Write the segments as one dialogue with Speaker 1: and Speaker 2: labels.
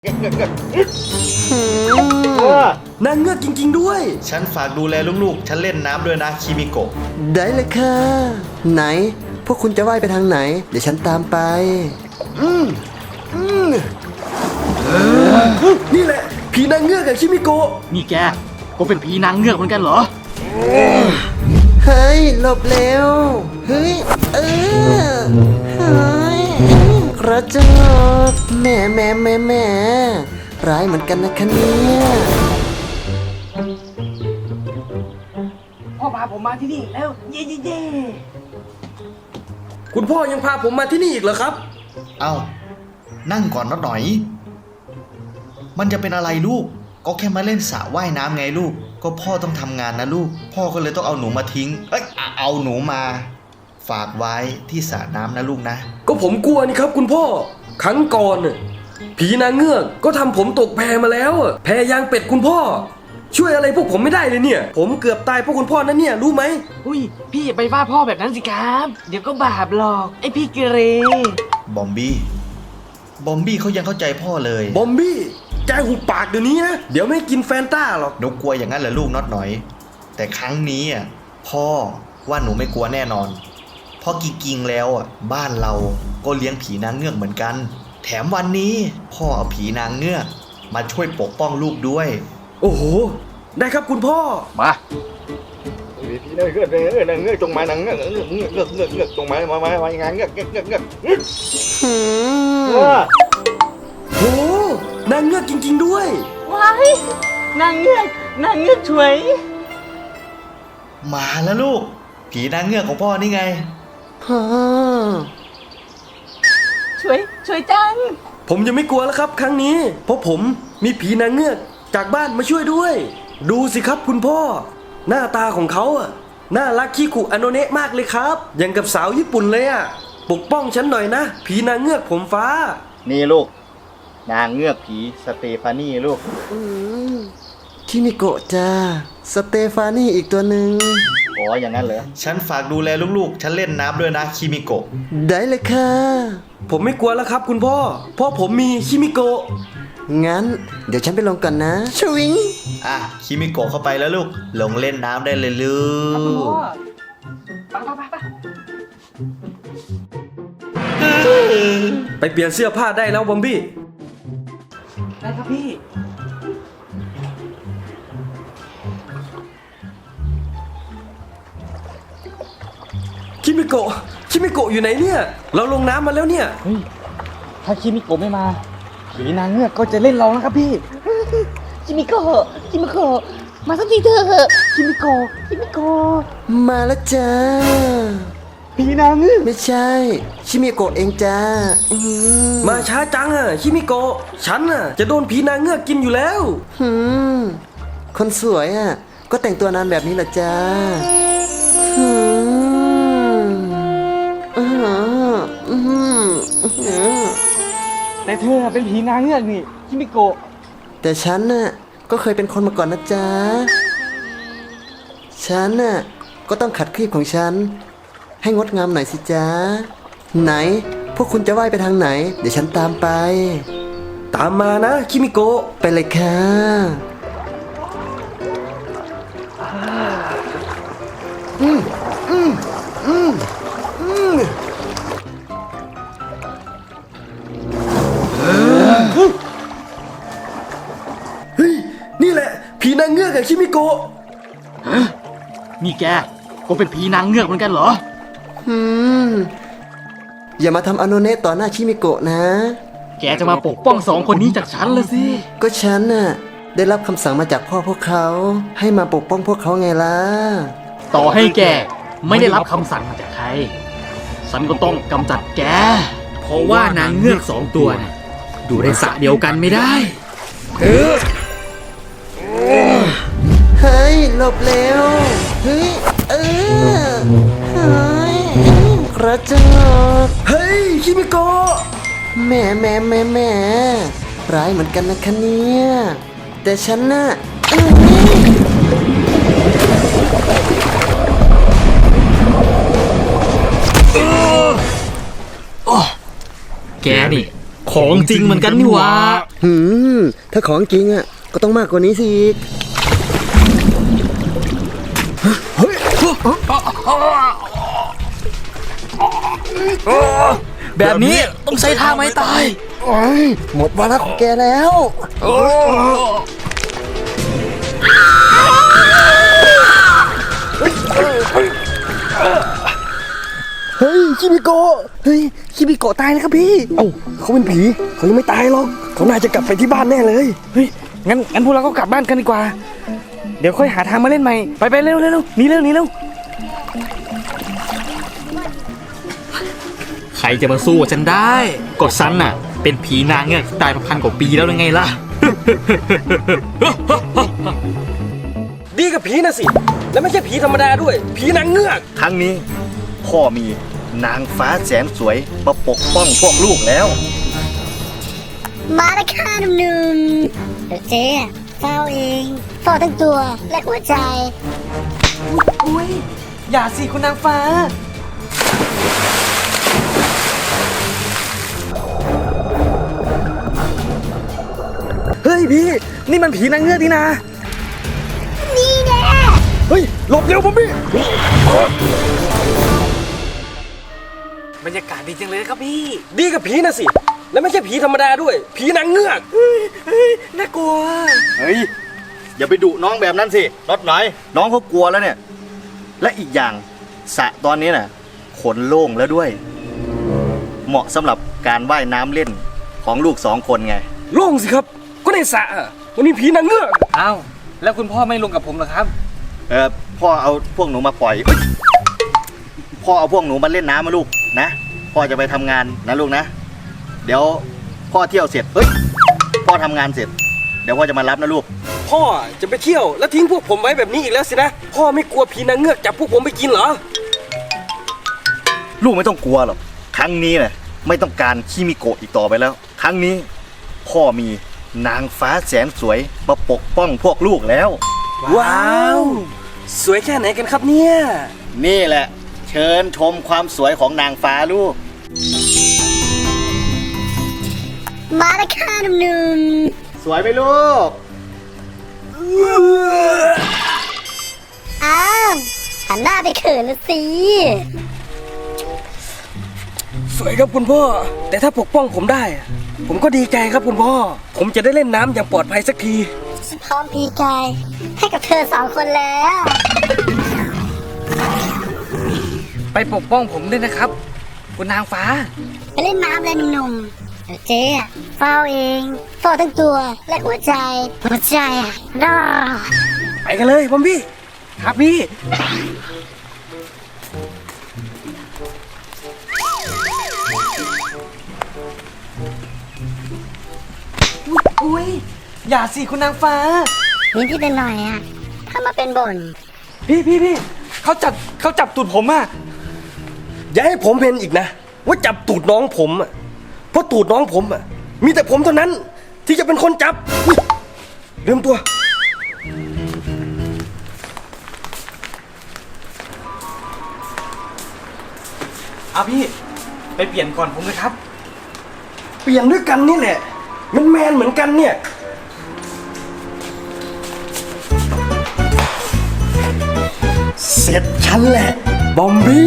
Speaker 1: นางเงือกจริงๆด้วย
Speaker 2: ฉันฝากดูแลลูกๆฉันเล่นน้ำด้วยนะคิมิโกะ
Speaker 3: ได้เลยค่ะไหนพวกคุณจะว่ายไปทางไหนเดี๋ยวฉันตามไป
Speaker 1: นี่แหละผีนางเงือกกับคิมิโกะ
Speaker 4: นี่แกก็เป็นผีนางเงือกเหมือนกันเหรอ
Speaker 3: เฮ้ยหลบเร็วเฮ้ยเฮ้ยกระจกแม่ร้ายเหมือนกันนะคะเนี่ย
Speaker 4: พ่อพาผมมาที่นี่แล้วเย่
Speaker 1: คุณพ่อยังพาผมมาที่นี่อีกเหรอครับ
Speaker 2: เอ้านั่งก่อนหน่อย มันจะเป็นอะไรลูกก็แค่มาเล่นสระว่ายน้ำไงลูกก็พ่อต้องทำงานนะลูกพ่อก็เลยต้องเอาหนูมาทิ้งเอาหนูมาฝากไว้ที่สระน้ำนะลูกนะ
Speaker 1: ก็ผมกลัวนี่ครับคุณพ่อครั้งก่อนผีนางเงือกก็ทำผมตกแพมาแล้วแพยางเป็ดคุณพ่อช่วยอะไรพวกผมไม่ได้เลยเนี่ยผมเกือบตายเพราะคุณพ่อนั่นเนี่ยรู้ไหม
Speaker 4: อุ้ยพี่อย่าไปว่าพ่อแบบนั้นสิครับ เดี๋ยวก็บาปหรอกไอพี่เกเร
Speaker 2: บอมบี้เขายังเข้าใจพ่อเลย
Speaker 1: บอมบี้แกหุบปากเดี๋ยวนี้นะเดี๋ยวไม่กินแฟนต้าหรอก
Speaker 2: หนูกลัวอย่างนั้นเหรอลูกน็อตหน่อยแต่ครั้งนี้พ่อว่าหนูไม่กลัวแน่นอนเพราะจริงๆแล้วบ้านเราก็เลี้ยงผีนางเงือกเหมือนกันแถมวันนี้พ่อเอาผีนางเงือกมาช่วยปกป้องลูกด้วย
Speaker 1: โอ้โหได้ครับคุณพ่อ
Speaker 4: มา
Speaker 5: ผีนางเงือกนางเงือกจงมานางเงือกเงือกจงมางานเงือก
Speaker 1: โหนางเงือกจริงๆด้วย
Speaker 6: ว้ายนางเงือกช่วย
Speaker 2: มาแล้วลูกผีนางเงือกของพ่อนี่ไง
Speaker 3: พ่อ
Speaker 6: ช่วยจัง
Speaker 1: ผมยังไม่กลัวแล้วครับครั้งนี้เพราะผมมีผีนางเงือกจากบ้านมาช่วยด้วย ดูสิครับคุณพ่อ หน้าตาของเขาน่ารักคิคุอโนเนะมากเลยครับอย่างกับสาวญี่ปุ่นเลยปกป้องฉันหน่อยนะผีนางเงือกผมฟ้า
Speaker 5: นี่ลูกนางเงือกผีสเตฟานี่ลูก
Speaker 3: คิมิโกะจ้าสเตฟานี่อีกตัวหนึ่ง
Speaker 5: อ๋ออย่างนั้นเหรอ
Speaker 2: ฉันฝากดูแลลูกๆฉันเล่นน้ำด้วยนะคิมิโกะ
Speaker 3: ได้เลยค่ะ
Speaker 1: ผมไม่กลัวแล้วครับคุณพ่อเพราะผมมีคิมิโกะ
Speaker 3: งั้นเดี๋ยวฉันไปลงก่อนนะชวิง
Speaker 2: คิมิโกะเข้าไปแล้วลูกลงเล่นน้ำได้เลยลูก
Speaker 1: ไปเปลี่ยนเสื้อผ้าได้แล้วบอมบี้
Speaker 4: ได้ครับพี่
Speaker 1: คิมิโกะอยู่ไหนเนี่ยเราลงน้ำมาแล้วเนี่ย
Speaker 4: เฮ้ยถ้าคิมิโกะไม่มาผีนางเงือกก็จะเล่นเรานะครับพี่
Speaker 6: คิมิโกะมาสักทีเถอะคิมิโกะ
Speaker 3: มาแล้วจ้า
Speaker 4: ผีนางเงือก
Speaker 3: ไม่ใช่ชิมิโกะเองจ้าม
Speaker 1: มาช้าจังคิมิโกะฉันจะโดนผีนางเงือกกินอยู่แล้ว
Speaker 3: คนสวยก็แต่งตัวนานแบบนี้เหรอจ้าหืมอื้อหืออื้อหือ
Speaker 4: แต่เธอเป็นผีนางเงือกนี่คิมิโกะ
Speaker 3: แต่ฉันก็เคยเป็นคนมาก่อนนะจ๊ะฉันก็ต้องขัดคลีบของฉันให้งดงามหน่อยสิจ๊ะไหนพวกคุณจะว่ายไปทางไหนเดี๋ยวฉันตามไป
Speaker 1: ตามมานะคิมิโกะ
Speaker 3: ไปเลยค่ะ
Speaker 1: เฮ้ยนี่แหละผีนางเงือกกับคิมิโกะ
Speaker 4: นี่แกก็เป็นผีนางเงือกเหมือนกันเหรอ
Speaker 3: อย่ามาทำอโนเนะต่อหน้าชิมิโกะนะ
Speaker 4: แกจะมาปกป้องสองคนนี้จากฉันละสิ
Speaker 3: ก็ฉันได้รับคำสั่งมาจากพ่อพวกเขาให้มาปกป้องพวกเขาไงล่ะ
Speaker 4: ต่อให้แกไม่ได้รับคำสั่งมาจากใคร ฉันก็ต้องกำจัดแก เพราะว่านางเงือกสองตัวน่ะอยู่ในสระเดียวกันไม่ได้
Speaker 3: เฮ้ยหลบเร็วเฮ้ยเฮ้ยกระจก
Speaker 1: เฮ้ยคิมิโกะ
Speaker 3: แม่ร้ายเหมือนกันนะคะเนี่ยแต่ฉัน
Speaker 4: แกนี่ คของจริงเหมือนกันนี่หว่า
Speaker 3: ถ้าของจริงอ่ะก็ต้องมากกว่านี้สิอีก
Speaker 4: แบบนี้ต้องใช้ท่าไม้ตาย
Speaker 3: หมดวาระของแกแล้ว เฮ้ยคิมิโกะเฮ้ยคิมิโกะตายแล้วครับพี่
Speaker 1: เอ้าเขาเป็นผีเขายังไม่ตายหรอกเขาน่าจะกลับไปที่บ้านแน่เลย
Speaker 7: เฮ้ยงั้นพวกเราก็กลับบ้านกันดีกว่า เดี๋ยวค่อยหาทางมาเล่นใหม่ ไปเร็วหนีเร็ว
Speaker 4: ใครจะมาสู้กับฉันได้ก็ฉันน่ะ เป็นผีนางเงือกตายมา1,000 กว่าปีแล้วยังไงล่ะ
Speaker 1: ดีกับผีนะสิ แล้วไม่ใช่ผีธรรมดาด้วย ผีนางเงือก
Speaker 2: ครั้งนี้พ่อมีนางฟ้าแสนสวยมาปกป้องพวกลูกแล้ว
Speaker 6: มาแล้วค่ะหนุ่มๆเดี๋ยวเจ๊เฝ้าเองเฝ้าทั้งตัวและหัวใจ
Speaker 7: อุ้ยอย่าสิคุณนางฟ้า เฮ้ยพี่ นี่มันผีนางเงือกนี่นะ
Speaker 6: นี่แน่
Speaker 1: เฮ้ยหลบเร็วผมพี่
Speaker 7: บรรยากาศดีจังเลยครับพี่
Speaker 1: ดีกับผีนะสิ แล้วไม่ใช่ผีธรรมดาด้วย ผีนางเงือก
Speaker 7: น่ากลัว
Speaker 2: เฮ้ย อย่าไปดุน้องแบบนั้นสิรถหน่อยน้องเขากลัวแล้วเนี่ย และอีกอย่างสระตอนนี้น่ะขนโล่งแล้วด้วย เหมาะสำหรับการว่ายน้ำเล่นของลูก2 คนไง
Speaker 1: โล่งสิครับ ก็ในสระอะวันนี้ผีนางเงือก
Speaker 7: อ้าว แล้วคุณพ่อไม่ลงกับผมเหรอครับ
Speaker 2: พ่อเอาพวกหนูมาปล่อยเอ้ยพ่อเอาพวกหนูมาเล่นน้ำมาลูกนะ พ่อจะไปทำงานนะลูกนะ เดี๋ยวพ่อเที่ยวเสร็จพ่อทำงานเสร็จ เดี๋ยวพ่อจะมารับนะลูก
Speaker 1: พ่อจะไปเที่ยวแล้วทิ้งพวกผมไว้แบบนี้อีกแล้วสินะ พ่อไม่กลัวผีนางเงือกจับพวกผมไปกินเหรอ
Speaker 2: ลูกไม่ต้องกลัวหรอก ครั้งนี้น่ะไม่ต้องการคิมิโกะอีกต่อไปแล้ว ครั้งนี้พ่อมีนางฟ้าแสนสวยมาปกป้องพวกลูกแล้ว
Speaker 1: ว้าว สวยแค่ไหนกันครับเนี่ย
Speaker 2: นี่แหละ เชิญชมความสวยของนางฟ้าลูก
Speaker 6: มาแล้วค่ะหนุ่ม
Speaker 2: สวยไหมลูก
Speaker 6: ๆอ้าวหันหน้าไปเขินละสิ
Speaker 1: สวยครับคุณพ่อ แต่ถ้าปกป้องผมได้อะผมก็ดีใจครับคุณพ่อ ผมจะได้เล่นน้ำอย่างปลอดภัยสักที
Speaker 6: ฉันพร้อมพีกายให้กับเธอ2 คนแล้ว
Speaker 7: ไปปกป้องผมด้วยนะครับ คุณนางฟ้า
Speaker 6: ไปเล่นน้ำเลยหนุ่มๆเดี๋ยวเจ๊เฝ้าเองเฝ้าทั้งตัวและหัวใจรอ
Speaker 1: ไปกันเลยบอมบี้
Speaker 7: ครับพี่ อุ้ยอย่าสิคุณนางฟ้า
Speaker 6: นิดๆหน่อยๆอ่ะทำมาเป็นบ่น
Speaker 7: พี่เขาจับตูดผมอ่ะ
Speaker 1: อย่าให้ผมเห็นอีกนะ ว่าจับตูดน้องผมอ่ะ เพราะตูดน้องผมอ่ะ มีแต่ผมเท่านั้น ที่จะเป็นคนจับอุ๊ยลืมตัว
Speaker 7: เอาพี่ ไปเปลี่ยนก่อนผมเลยครับ
Speaker 1: เปลี่ยนด้วยกันนี่แหละ มันแมนเหมือนกันเนี่ย เสร็จฉันแหละ บอมบี้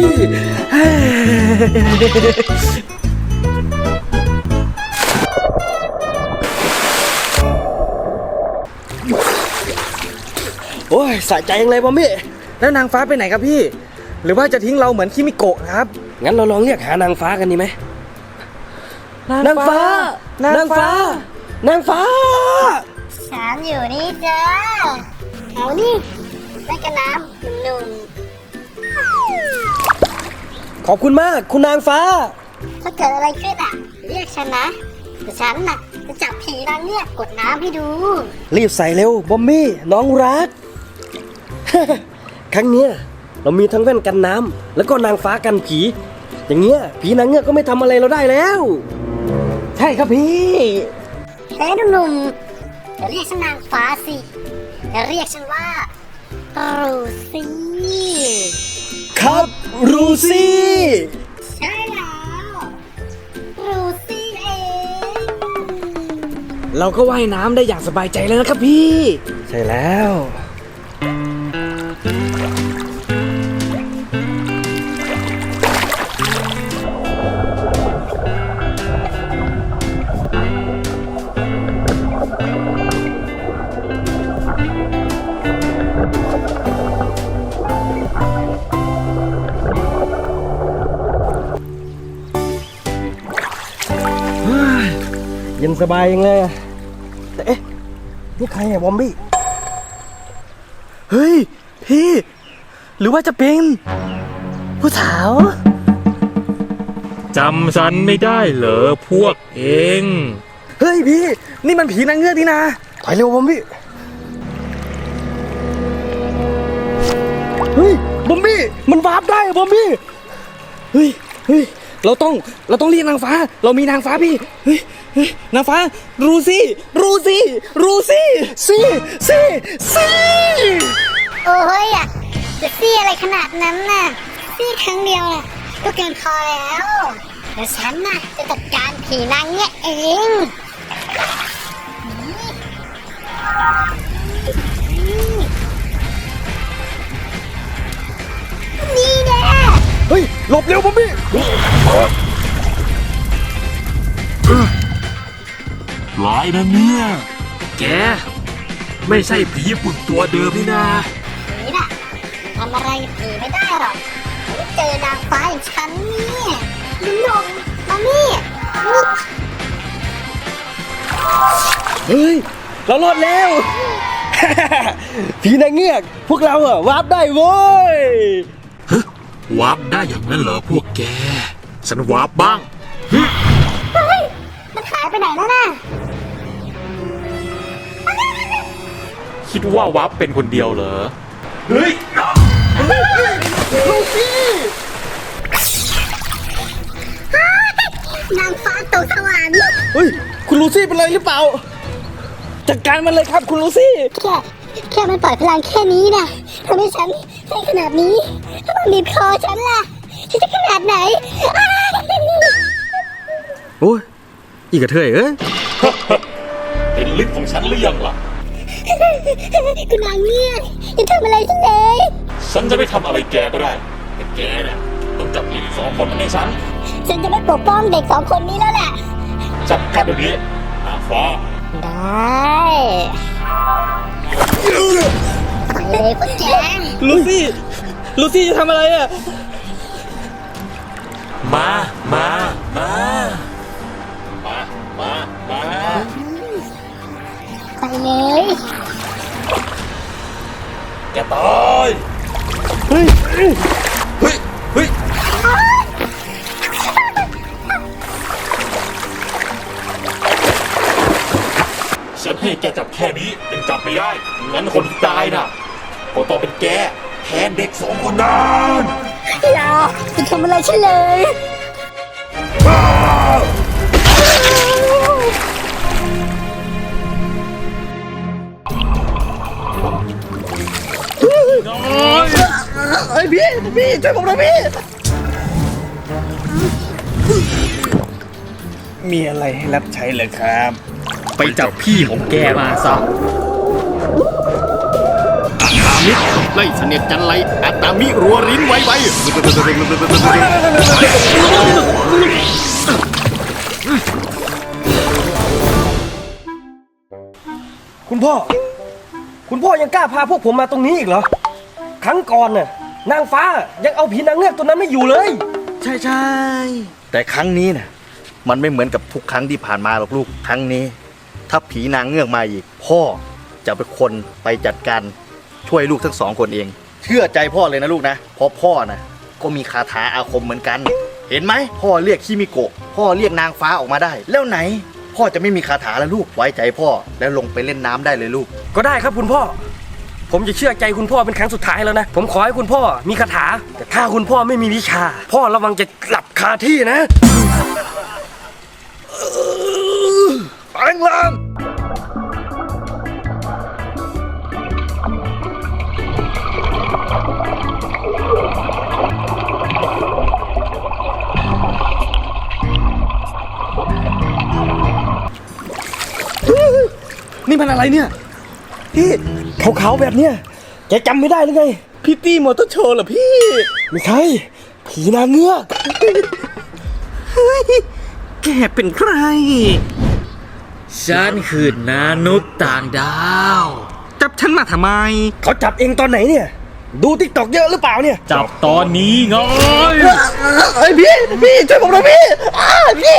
Speaker 1: โอ้ยสะใจยังเลยบอมบี้
Speaker 7: แล้วนางฟ้าไปไหนครับพี่ หรือว่าจะทิ้งเราเหมือนคิมิโกะครับ
Speaker 1: งั้นเราลองเรียกหานางฟ้ากันดีไหม นางฟ้า นางฟ้า นางฟ้า
Speaker 6: ฉันอยู่นี่จ้าเอานี่เล่นกันน้ำหนุ่ม
Speaker 1: ขอบคุณมากคุณนางฟ้า
Speaker 6: ๆถ้าเกิดอะไรขึ้นอ่ะ เรียกฉันนะเดี๋ยวฉันน่ะจะจับผีนางเนี่ยกดน้ำให้ดู
Speaker 1: รีบใส่เร็วบอมบี้น้องรัก ครั้งเนี้ยเรามีทั้งแว่นกันน้ำแล้วก็นางฟ้ากันผี อย่างเงี้ยผีนางเงือกก็ไม่ทำอะไรเราได้แล้ว
Speaker 7: ใช่ครับพี่
Speaker 6: เฮ้ยหนุ่มๆอย่าเรียกฉันนางฟ้าสิอย่าเรียกฉันว่ารูซี่
Speaker 1: ครับรูซี่
Speaker 6: ใช่แล้วรูซี่เอง
Speaker 7: เราก็ว่ายน้ำได้อย่างสบายใจแล้วนะครับพี่
Speaker 1: ใช่แล้ว เย็นสบายยังเลยอะแต่เอ๊ะ นี่ใครอะบอมบี้
Speaker 7: เฮ้ย พี่ หรือว่าจะเป็น ผู้สาว
Speaker 8: จำฉันไม่ได้เหรอพวกเอง
Speaker 7: เฮ้ยพี่ นี่มันผีนางเงือกนี่นะ
Speaker 1: ถอยเร็วบอมบี้ เฮ้ย บอมบี้ มันวาร์ปได้อะบอมบี้
Speaker 7: เฮ้ย เราต้องเรียกนางฟ้า เรามีนางฟ้าพี่ เฮ้ย นางฟ้า รูซี่ ซี่
Speaker 6: โอ้ยอ่ะจะซี่อะไรขนาดนั้นน่ะซี่ครั้งเดียวน่ะก็เกินพอแล้วเดี๋ยวฉันน่ะจะจัดการผีนางเนี่ยเองนี่แน่
Speaker 1: เฮ้ย หลบเร็วบอมบี้
Speaker 8: ร้ายนะเนี่ย
Speaker 4: แก ไม่ใช่ผีญี่ปุ่นตัวเดิมนี่นา
Speaker 6: ผีน่ะทำอะไรกับผีไม่ได้หรอกไม่เจอนางฟ้าอย่างฉันนี่หนุ่มมานี่ลุก
Speaker 1: เฮ้ย เรารอดแล้ว ผีนางเงือก พวกเราอะวาร์ปได้โว้ย
Speaker 8: วาร์ปได้อย่างนั้นเหรอพวกแก ฉันวาร์ปบ้าง
Speaker 6: มันหายไปไหนแล้วน่ะ
Speaker 8: คิดว่าวาร์ปเป็นคนเดียวเหรอ
Speaker 1: เฮ้ย
Speaker 6: นางฟ้าตกสวรรค์
Speaker 1: เฮ้ย คุณลูซี่เป็นไรหรือเปล่า
Speaker 7: จัดการมันเลยครับคุณลูซี่
Speaker 6: แค่มันปล่อยพลังแค่นี้นะทำให้ฉันได้ขนาดนี้ ถ้ามันบีบคอฉันล่ะฉันจะขนาดไหนอ้าย
Speaker 1: โอ้ย อีกกระเทยเอ้ย
Speaker 8: เห็นลิฟต์ของฉันหรือยังล่ะ
Speaker 6: คุณนางเนี่ยอย่าทำอะไรฉันเลย
Speaker 8: ฉันจะไม่ทำอะไรแกก็ได้ แต่แกเนี่ยต้องจับลิฟต์สองคนมาให้ฉัน
Speaker 6: ฉันจะไม่ปกป้องเด็กสองคนนี้แล้วแหละ
Speaker 8: จับกันเดี๋ยวนี้นางฟ้า
Speaker 6: ได้ไปเลยพวกแก
Speaker 7: ลูซี่จะทำอะไรอ่ะ
Speaker 8: มา
Speaker 6: ไปเลย
Speaker 8: แกตาย
Speaker 1: เฮ้ย
Speaker 8: ฉันให้แกจับแค่นี้ยังจับไม่ได้ งั้นคนที่ตายน่ะก็ต้องเป็นแกแทนเด็กสองคนนั้น
Speaker 6: อย่าทำอะไรฉันเลย
Speaker 7: ไอ้พี่ช่วยผมหน่อยพี่ มีอะไรให้รับใช้เลยครับ
Speaker 4: ไปจับพี่ของแกมาซะอัตตามิไล่เสนียดจันไรอัตตามิรัวริ้นไว
Speaker 1: คุณพ่อ คุณพ่อยังกล้าพาพวกผมมาตรงนี้อีกเหรอ ครั้งก่อนน่ะ นางฟ้ายังเอาผีนางเงือกตัวนั้นไม่อยู่เลย
Speaker 2: ใช่ แต่ครั้งนี้นะมันไม่เหมือนกับทุกครั้งที่ผ่านมาหรอกลูก ครั้งนี้ ถ้าผีนางเงือกมาอีก พ่อจะเป็นคนไปจัดการช่วยลูกทั้งสองคนเอง เชื่อใจพ่อเลยนะลูกนะ เพราะพ่อนะก็มีคาถาอาคมเหมือนกัน เห็นไหมพ่อเรียกคิมิโกะพ่อเรียกนางฟ้าออกมาได้ แล้วไหน พ่อจะไม่มีคาถาแล้วลูกไว้ใจพ่อแล้วลงไปเล่นน้ำได้เลยลูก
Speaker 1: ก็ได้ครับคุณพ่อ ผมจะเชื่อใจคุณพ่อเป็นครั้งสุดท้ายแล้วนะ ผมขอให้คุณพ่อมีคาถา แต่ถ้าคุณพ่อไม่มีวิชา พ่อระวังจะหลับคาที่นะแปลงร่าง
Speaker 7: นี่มันอะไรเนี่ย
Speaker 1: พี่ขาวๆแบบเนี้ยแกจำไม่ได้หรือไง
Speaker 7: พี่ตี้มอเตอร์โชว์เหรอพี่
Speaker 1: ไม่ใช่ ผีนางเงือก
Speaker 7: แกเป็นใคร
Speaker 4: ฉันคือนานุษย์ต่างดาว
Speaker 7: จับฉันมาทำไม
Speaker 1: เขาจับเองตอนไหนเนี่ย ดูติ๊กตอกเยอะหรือเปล่าเนี่ย
Speaker 4: จับตอนนี้ไง
Speaker 1: เอ้ยพี่ช่วยผมหน่อยพี่พี่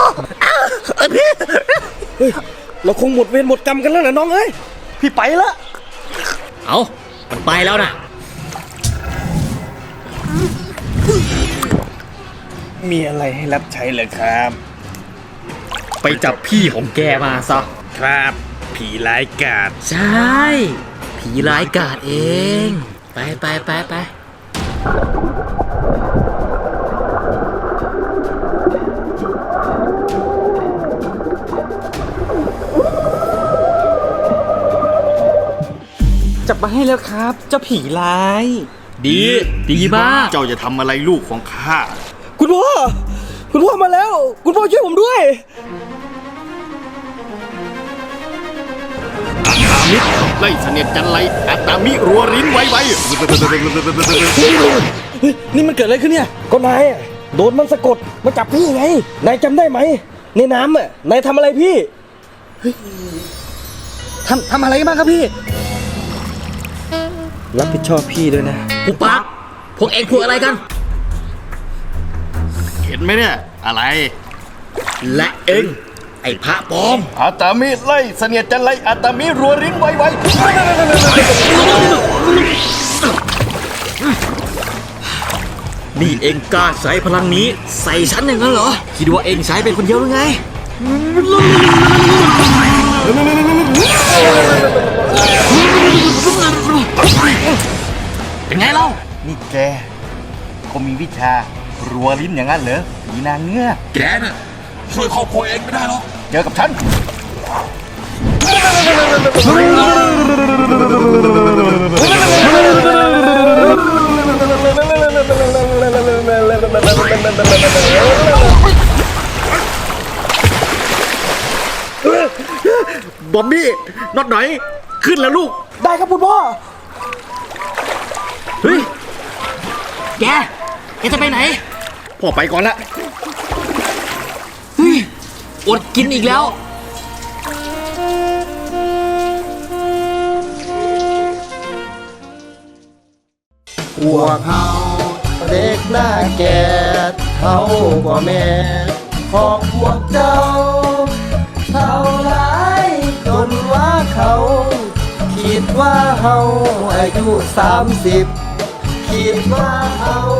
Speaker 1: เฮ้ยเราคงหมดเวรหมดกรรมกันแล้วนะน้องเอ้ยพี่ไปละ
Speaker 4: เอามันไปแล้วนะ
Speaker 7: มีอะไรให้รับใช้เหรอครับ
Speaker 4: ไปจับพี่ของแกมาซะ
Speaker 7: ครับ ผีร้ายกาจ
Speaker 4: ใช่ ผีร้ายกาจเอง ไป
Speaker 7: จับมาให้แล้วครับ เจ้าผีร้าย
Speaker 4: ดีมาก
Speaker 5: เจ้าจะทำอะไรลูกของข้า
Speaker 1: คุณพ่อมาแล้ว คุณพ่อช่วยผมด้วย
Speaker 5: มิตรไล่เสนียดจันไรอัตตามิรัวริ้นไว
Speaker 1: เฮ้ยนี่มันเกิดอะไรขึ้นเนี่ย ก็นายอ่ะโดนมันสะกดมาจับพี่ไง นายจำได้ไหม ในน้ำอ่ะ นายทำอะไรพี่
Speaker 7: ทำอะไรบ้างครับพี่
Speaker 1: รับผิดชอบพี่ด้วยนะ
Speaker 4: ๆปุปักพวกเองพูดอะไรกัน
Speaker 5: เห็นไหมเนี่ย อะไร
Speaker 4: และเองไอ้พระปลอม
Speaker 5: อัตตามิไล่เสนียดจันไรอัตตามิรัวริ้นไว
Speaker 4: นี่เองกล้าใช้พลังนี้ใส่ฉันอย่างนั้นเหรอ คิดว่าเองใช้เป็นคนเดียวหรือไง เป็นไงเล่า
Speaker 5: นี่แกเขามีวิชารัวลิ้นอย่างนั้นเหรอผีนางเงือก
Speaker 8: แกน่ะช่วยครอบครัวเองไม่ได้หรอก
Speaker 5: เจอกับฉัน
Speaker 4: บอมบี้น็อตหน่อย ขึ้นแล้วลูก
Speaker 1: ได้ครับคุณพ่อ
Speaker 4: เฮ้ย แกจะไปไหน
Speaker 5: พ่อไปก่อนละ
Speaker 4: เฮ้ย อดกินอีกแล้ว
Speaker 3: พวกเขาเด็กหน้าแก่เขากว่าแม่ของพวกเจ้าเท่าไรจนว่าเขาคิดว่าเฮาอายุ30คิดว่าเฮา